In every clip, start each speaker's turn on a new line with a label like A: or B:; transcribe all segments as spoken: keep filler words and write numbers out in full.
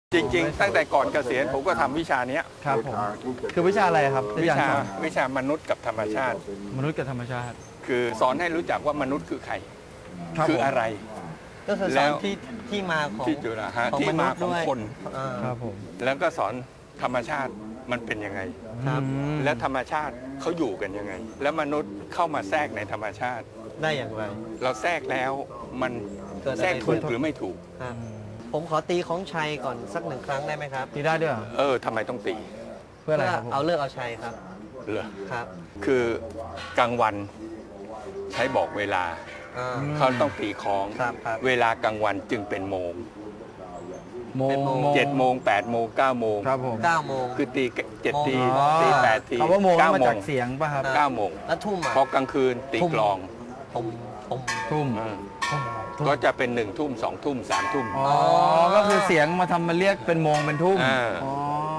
A: จริงๆตั้งแต่ก่อนเกษียณผมก็ทำวิชานี้
B: ครับผมคือวิชาอะไรครับ
A: วิชาวิชามนุษย์กับธรรมชาติ
B: มนุษย์กับธรรมชาติ
A: คือสอนให้รู้จักว่ามนุษย์คือใครคืออะไร
C: ก็คือสอนที่ที่มาของ
A: ที่จุฬาฮะ
C: ของ
A: ที่
C: มนุ
A: มา
C: ษย์
A: ของ
C: ด้วย
A: คน
C: อ่า
B: ครับผม
A: แล้วก็สอนธรรมชาติมันเป็นยังไง
C: ครับ
B: อืม
A: และธรรมชาติเขาอยู่กันยังไง แล้วมนุษย์เข้ามาแทรกในธรรมชาติ
C: ได้อย่างไร
A: เราแทรกแล้วมัน
C: เกิดอะไร
A: แทรกถูก
C: ขึ้น
A: หรือไม่ถูก
C: ครับผมขอตีของชัยก่อนสักหนึ่งครั้งได้ไหมครับ
B: ตีได้ด้วยเหรอ
A: เออทำไมต้องตี
B: เพื่ออะไรครับผม
C: เอาเลิกเอาชัยครับ
A: เหรอ
C: ครับ
A: คือกลางวันใช้บอกเวลา
C: อ่า
A: เขาต้องตีคล้อง
C: ครับครับ
A: เวลากลางวันจึงเป็นโมง
B: โมง
C: เป็นโมง
A: เจ็ดโมงแปดโมงเก้าโมง
B: ครับผม
C: เก้าโมง
A: คือตีเจ็ด
C: โมง
A: ที
C: อ๋อ
A: ตีแปดที
B: คำว่าโมง
A: เก้า
B: มา
A: โม
B: จาง กเสียงป่ะครับ
A: เก้าโมง
C: แล้วทุ่มอ่ะ
A: พอกลางคืนตี
C: ทุ่ม
A: กลอง
C: ผมผม
B: ทุ่ม
A: อืม
B: ทุ่ม
A: ก็จะเป็นหนึ่งทุ่มสองทุ่มสามทุ่ม
B: อ๋อ ก็คือเสียงมาทำมาเรียกเป็นโมงเป็นทุ่ม
A: อ่า
B: อ๋อ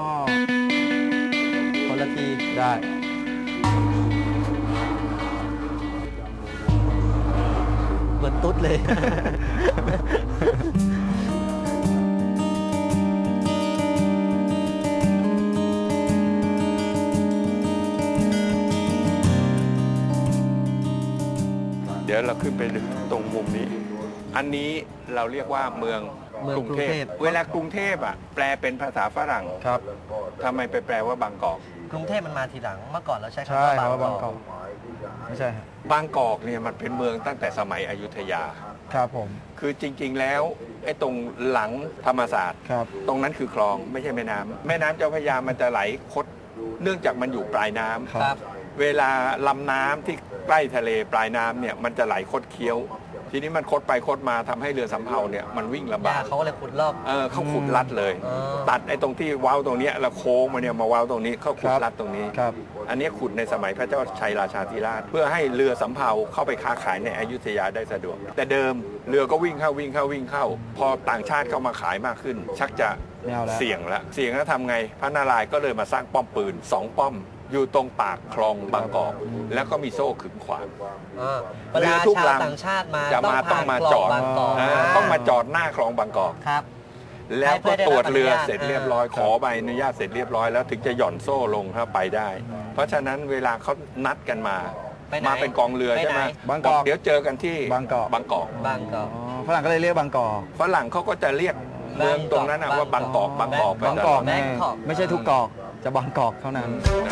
C: คนละที
B: ได้
C: เหมือนตุ๊ดเลย
A: เดี๋ยวเราขึ้นไปตรงมุมนี้ อันนี้เราเรียกว่าเมือง
C: เมือง
A: กรุงเท
C: กรุงเท
A: พ
C: พ
A: เวลากรุงเทพอ่ะแปลเป็นภาษาฝรั่ง
B: ครับ
A: ทำไมไปแปลว่าบางกอก
C: กรุงเทพมันมาทีหลังเมื่อก่อนเราใช้
B: ใช่
C: คำว่า
B: ครับว่า
C: บา
B: บาง ง
C: ก
B: ก
C: อ
B: อก กไม่ใช่ครับ
A: บางกอกเนี่ยมันเป็นเมืองตั้งแต่สมัยอยุธยา
B: ครับผม
A: คือจริง ๆ แล้วไอ้ตรงหลังธรรมศาสตร์
B: ครับ
A: ตรงนั้นคือคลองไม่ใช่แม่น้ำแม่น้ำเจ้าพระยามันจะไหลคดเนื่องจากมันอยู่ปลายน้ำ
C: ครับ
A: เวลาลำน้ำที่ใกล้ทะเลปลายน้ำเนี่ยมันจะไหลคดเคี้ยว ทีนี้มันคดไปคดมาทำให้เรือสำเภาเนี่ยมันวิ่งลำ
C: ยา
A: บาก
C: เขาก็เลยขุดรอบ
A: เออเขาขุดลัดเลย
C: อ๋อ
A: ตัดไอ้ตรงที่เว้าตรงเนี้ยแล้วโค้งมาเนี่ยมาเว้าตรงนี้เขาขุดลัดตรงนี้
B: ครับ
A: อันนี้ขุดในสมัยพระเจ้าชัยราชาธิราช เพื่อให้เรือสำเภาเข้าไปค้าขายในอยุธยาได้สะดวก แต่เดิมเรือก็วิ่งเข้าวิ่งเข้าวิ่งเข้า พอต่างชาติเข้ามาขายมากขึ้น ชักจะ
B: ไม่เอาแล้ว
A: เสี่ยงละเสี่ยงแล้วทำไงพระนารายณ์ก็เลยมาสร้างป้อมปืนสองป้อม อยู่ตรงปากคลองบางกอก แล้วก็มีโซ่ขึงขวาง
C: อ่าเว
A: เรื
C: ลา
A: อทุก
C: ชาว
A: ลำ
C: ต่างชาติมา
A: จะมาต้องมาจอด
C: ผ่นคลงบางกอก
A: อ่าต้องมาจอดหน้าคลองบางกอก
C: ครับ
A: แล้วก็ตรวจเรือ
C: ให้เพื่อได้รับอนุญาต
A: เสร็จเรียบร้อยขอใบอนุญาตเสร็จเรียบร้อยแล้วถึงจะหย่อนโซ่ลงถ้าไปได้ เพราะฉะนั้นเวลาเขานัดกันมา
C: ไปไหน
A: มาเป็นกองเรือ
C: ไป
A: ใช่ไหม
C: ไหน
B: บางกอก
A: เดี๋ยวเจอกันที่
B: บางกอก
A: บางกอก
C: บางกอก
B: อ๋อฝรั่งก็เลยเรียกบางกอก
A: ฝรั่งเขาก็จะเรียกเมืองตรงนั้นนะว่าบางกอกบางกอกไป
B: บาง
A: ต
B: ก
A: ล
B: อ
A: อก ด
B: แน่
C: แบงกอก
B: ไม่ใช่ทุกกอก จะบางกอกเท่านั้น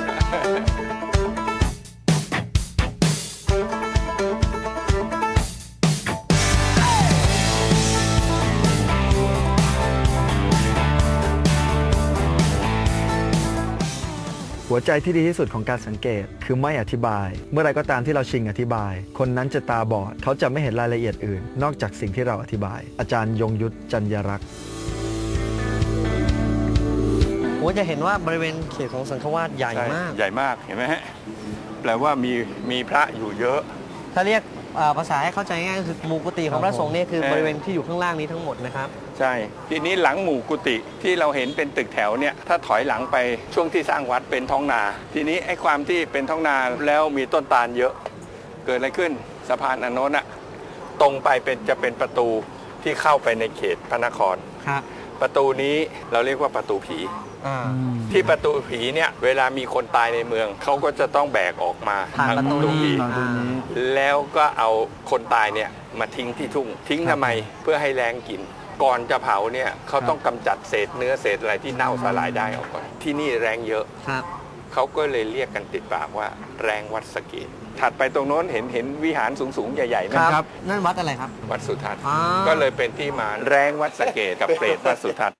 B: หัวใจที่ดีที่สุดของการสังเกตคือไม่อธิบาย เมื่อไรก็ตามที่เราชิงอธิบาย คนนั้นจะตาบอด เขาจะไม่เห็นรายละเอียดอื่น นอกจากสิ่งที่เราอธิบาย อาจารย์ยงยุทธจันยรักษ์
C: ผมจะเห็นว่าบริเวณเขตของสังฆวาสใหญ่
A: ใช่
C: มาก
A: ใหญ่มากเห็นไหมฮะแปลว่ามีมีพระอยู่เยอะ
C: ถ้าเรียกอ่าภาษาให้เข้าใจง่ายก็คือหมู่กุฏิของพระสงฆ์เนี่ยคือ
A: เออ
C: บริเวณที่อยู่ข้างล่างนี้ทั้งหมดนะครับ
A: ใช่ ทีนี้หลังหมู่กุฏิที่เราเห็นเป็นตึกแถวเนี่ยถ้าถอยหลังไปช่วงที่สร้างวัดเป็นท้องนา ทีนี้ไอ้ความที่เป็นท้องนาแล้วมีต้นตาลเยอะ เกิดอะไรขึ้นสะพานอันโน้นอะตรงไปเป็นจะเป็นประตูที่เข้าไปในเขตพระนคร
C: ครับ
A: ประตูนี้เราเรียกว่าประตูผี
C: อ่า
A: ที่ประตูผีเนี่ยเวลามีคนตายในเมืองเขาก็จะต้องแบกออกมา
C: ผ่าน
A: ทาง
C: ประตูนี้
A: ผี
B: ตอนตรงนี้
A: แล้วก็เอาคนตายเนี่ยมาทิ้งที่ทุ่ง ทิ้งทำไมเพื่อให้แรงกิน ก่อนจะเผาเนี่ยเขาต้องกำจัดเศษเนื้อเศษอะไรที่เน่าสลายได้ออกก่อนที่นี่แรงเยอะ
C: ครับ
A: เขาก็เลยเรียกกันติดปากว่าแรงวัดสะเกดถัดไปตรงโน้นเห็นเห็นวิหารสูงๆใหญ่ๆไหม
C: ครับ นั่นวัดอะไรครับ
A: วัดสุทัศน์
C: อ่า
A: ก็เลยเป็นที่มาแรงวัดสะเกดกับเปรตวัดสุทัศน์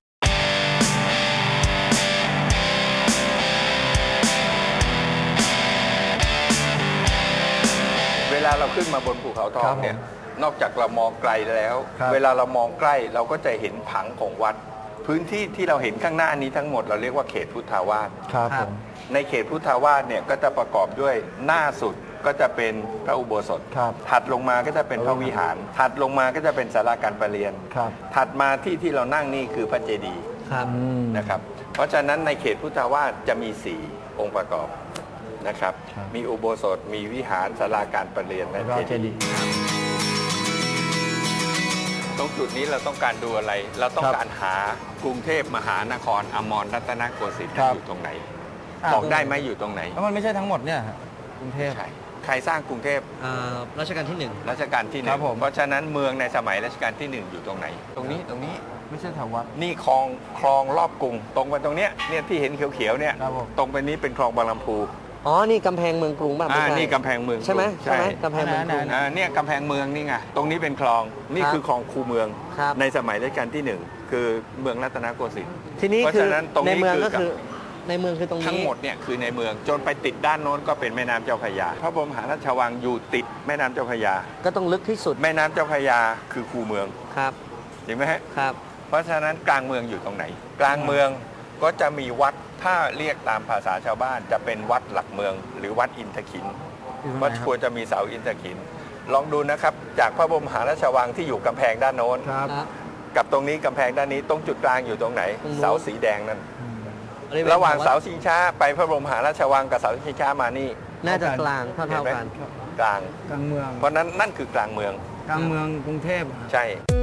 A: เวลาเราขึ้นมาบนภูเขาทองเนี่ยนอกจากเรามองไกลแล้ว
B: ครับ
A: เวลาเรามองใกล้เราก็จะเห็นผังของวัด พื้นที่ที่เราเห็นข้างหน้านี้ทั้งหมดเราเรียกว่าเขตพุทธาวาส
B: ครับ
C: ค
B: ผ
C: รับ
B: ม
A: ในเขตพุทธาวาสเนี่ยก็จะประกอบด้วยหน้าสุดก็จะเป็นพระอุโบสถ
B: ครับ
A: ถัดลงมาก็จะเป็นพระวิหาร ถัดลงมาก็จะเป็นศาลาการประเรียน
B: ครับ
A: ถัดมาที่ที่เรานั่งนี่คือพระเจดีย์
C: ครับ
B: อืม
A: นะครับ เพราะฉะนั้นในเขตพุทธาวาสจะมีสี่องค์ประกอบนะครับ
B: ครับ
A: มีอุโบสถ มีวิหารศาลาการประเรียนและ
B: แล้วก็
A: เจ
B: เจ
A: ดี
B: ดี
A: ย์
B: ย์
A: ตรงจุดนี้เราต้องการดูอะไร เราต้องการหากรุงเทพมหานครอมรรัตนโกสินทร์อยู่ตรงไหน บอกได้ไหมอยู่ตรงไหน
C: แล้วมันไม่ใช่ทั้งหมดเนี่ยฮะกรุงเทพ
A: ใช่ใครสร้างกรุงเทพ
C: อ่ารัชกาลที่หนึ่ง
A: รัชกาลที่ห
C: ค
A: นึ่
C: รั
A: ง
C: บผม
A: เพราะฉะนั้นเมืองในสมัยรัชกาลที่หนึ่งอยู่ตรงไหน ตรงนี้ตรงนี้
C: ไม่ใช่แถววัด
A: นี่คลองคลองรอบกรุง ตรงไปตรงเนี้ยเนี่ยที่เห็นเขียวๆเนี่ย
C: ครับผม
A: ตรงไปนี้เป็นคลองบางลำพู
C: อ๋อ นี่กำแพงเมืองกรุงป่ะไม่
A: อ่า
C: ใช่
A: นี่กำแพงเมือง
C: ใช่ไหม
A: กรุง
C: ใช่ไหมกำแพงเมืองกรุง
A: อ่าเนี่ยกำแพงเมืองนี่ไงตรงนี้เป็นคลองนี่
C: ครับ
A: คือคลองคูเมือง
C: ครับ
A: ในสมัยรัชกาลที่หนึ่งคือเมืองรัตนโกสินทร์
C: ทีนี้
A: เพราะ
C: คือ
A: ฉะนั้นตรงนี้
C: ในเมือง
A: คือ
C: ก็คือในเมืองคือตรงนี้
A: ทั้งหมดเนี่ยคือในเมืองจนไปติดด้านโน้นก็เป็นแม่น้ำเจ้าพระยาพระบรมมหาราชวังอยู่ติดแม่น้ำเจ้าพระยา
C: ก็ต้องลึกที่สุด
A: แม่น้ำเจ้าพระยาคือคูเมือง
C: ครับ
A: เห็นไหมฮะ
C: ครับ
A: เพราะฉะนั้นกลางเมืองอยู่ตรงไหน กลางเมืองก็จะมีวัดถ้าเรียกตามภาษาชาวบ้าน จะเป็นวัดหลักเมือง หรือวัดอินทขินวัดควรจะมีเสาอินทขิน ลองดูนะครับจากพระบรมมหาราชวังที่อยู่กำแพงด้านโน้น
C: ครับ
A: กับตรงนี้กำแพงด้านนี้ตรงจุดกลางอยู่ตรงไหน
C: ตรงนู้น
A: เสาสีแดงนั่น
C: บริเวณ
A: ระหว่าง
C: ขอ
A: เสาชิงช้าไปพระบรมมหาราชวังกับเสาชิงช้ามานี่
C: น่าจะกลางเท่า
A: เห็น
C: เท่า
A: ไหม
C: กัน
A: กลาง
D: กลางเมือง
A: เพราะนั้นนั่นคือกลางเมือง
D: กลางเมืองกรุงเทพอะ
A: ใช่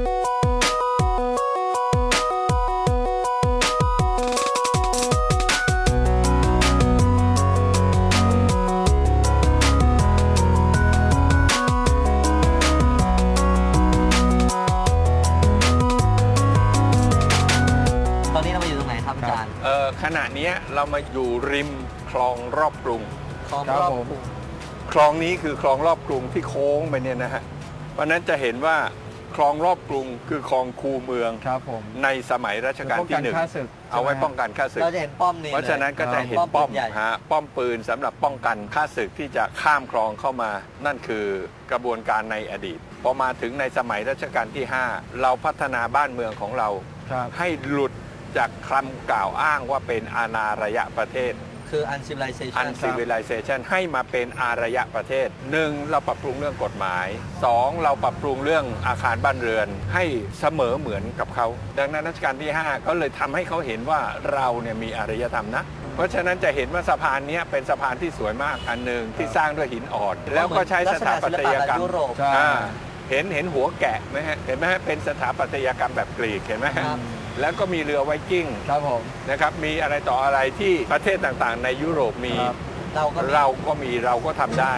C: ตอนนี้เรามาอยู่ตรงไหนครับอาจารย์
A: เอ่อขณะเนี้ยเรามาอยู่ริมคลองรอบกรุง
C: คลอง
D: ครับ
C: รอบ
D: ผม
C: กรุง
A: คลองนี้คือคลองรอบกรุงที่โค้งไปเนี่ยนะฮะเพราะฉะนั้นจะเห็นว่าคลองรอบกรุงคือคลองคูเมือง
D: ครับผม
A: ในสมัยรัชกาลที่หนึ่ง
D: ป้องกันฆ่าศึก
A: เอาไว้ป้องกันฆ่าศึก
C: เราจะเห็นป้อมนี่
A: เพราะฉะนั้นก็จะเห็น
C: ป้
A: ป้
C: อ
A: อ
C: ม
A: ม
C: ใหญ่
A: ฮะป้อมปืนสำหรับป้องกันฆ่าศึกที่จะข้ามคลองเข้ามา นั่นคือกระบวนการในอดีตพอมาถึงในสมัยรัชกาลที่ ห้า เราพัฒนาบ้านเมืองของเรา
D: ครับ
A: ให้หลุดจากคำกล่าวอ้างว่าเป็นอาณารยประเทศ
C: คือ uncivilization
A: อันซีวิลิเซชันให้มาเป็นอารยประเทศหนึ่งเราปรับปรุงเรื่องกฎหมายสองเราปรับปรุงเรื่องอาคารบ้านเรือน ให้เสมอเหมือนกับเขา ดังนั้นรัชกาลที่ ห้า ก็เลยทำให้เขาเห็นว่าเราเนี่ยมีอารยธรรมนะ เพราะฉะนั้นจะเห็นว่าสะพานนี้เป็นสะพานที่สวยมากอันหนึ่งที่สร้างด้วยหินอ่อน แล้วก็ใช้สถาปัตยกรรม
C: ลักษณะศิลปะแบบยุโรป
D: ใช่
A: อ่าเห็นเห็นหัวแกะไหมฮะเห็นไหมฮะเป็นสถาปัตยกรรมแบบกรีกเห็นไหมฮะ
C: ครับ
A: แล้วก็มีเรือไวกิ้ง
D: ครับผม
A: นะครับมีอะไรต่ออะไรที่ประเทศต่างๆ ในยุโรปมี
D: ครับ
C: เราก็มี
A: เราก็มีเราก็ทำได้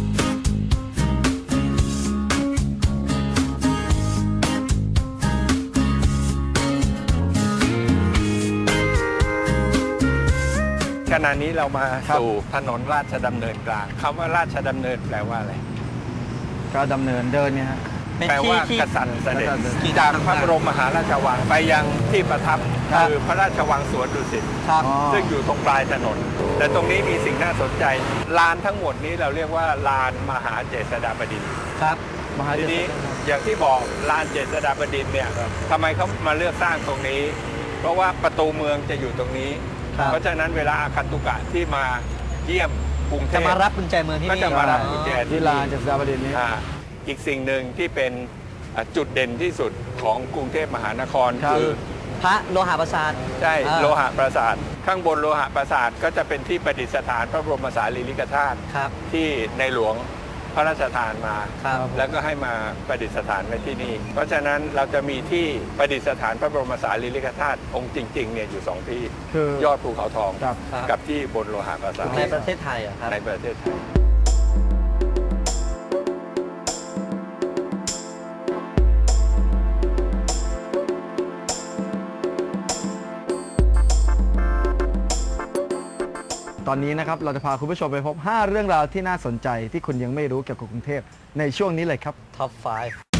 A: ขณะนี้เรามา
D: ครับ
A: สู่ถนนราชดำเนินกลางคำว่าราชดำเนินแปลว่าอะไร
D: ก็ดำเนินเดินเนี่ยฮะ
C: เป็น
A: แปล
C: ที่
A: ว่า
C: ที่
A: กษัตริย์เสด็จ
D: กษัตริย์เสด็จ
A: จากพระบรมมหาราชวังไปยังที่ประทับ
D: ครับ
A: คือพระราชวังสวนดุสิต
C: ครับ
D: อ๋อ
A: ซึ่งอยู่ตรงปลายถนน แต่ตรงนี้มีสิ่งน่าสนใจลานทั้งหมดนี้เราเรียกว่าลานมหาเจษฎาบดินทร์
C: ครับ
D: มหา
A: ที
D: เจษ
A: นี้
D: ฎา
A: อย่างที่บอกลานเจษฎาบดินทร์เนี่ยทำไมเขามาเลือกสร้างตรงนี้ เพราะว่าประตูเมืองจะอยู่ตรงนี้
C: ครับ
A: เพราะฉะนั้นเวลาอาคันตุกะที่มาเยี่ยมกรุงเท
C: จะ
A: พ
C: มารับกุญแจเมืองที่
A: ก็
C: นี่
A: จะมารับกุญแจ
D: ที่ลานเจษฎาบดินทร์นี้
A: อ่าอีกสิ่งหนึ่งที่เป็นอ่าจุดเด่นที่สุดของกรุงเทพมหานคร
D: ครับ
A: คือ
C: พระโลหะประสาท
A: ใช่
C: อ่า
A: โลหะปราสาทข้างบนโลหะปราสาทก็จะเป็นที่ประดิษฐานพระบรมสารีริกธาตุ
C: ครับ
A: ที่ในหลวงพระราชทานมา
C: ครับ
A: แล้วก็ให้มาประดิษฐานไว้ที่นี่ เพราะฉะนั้นเราจะมีที่ประดิษฐานพระบรมสารีริกธาตุองค์จริงๆเนี่ยอยู่สองที่
D: คือย
A: อดภูเขาทอง
D: ครับ
C: ครับ
A: กับที่บนโลหะปราสาท
C: ในประเทศไทยเหรอะครับ
A: ในประเทศไทย
B: ตอนนี้นะครับเราจะพาคุณผู้ชมไปพบ ห้า เรื่องราวที่น่าสนใจที่คุณยังไม่รู้เกี่ยวกับกรุงเทพในช่วงนี้เลยครับ
C: ท็อปไฟว์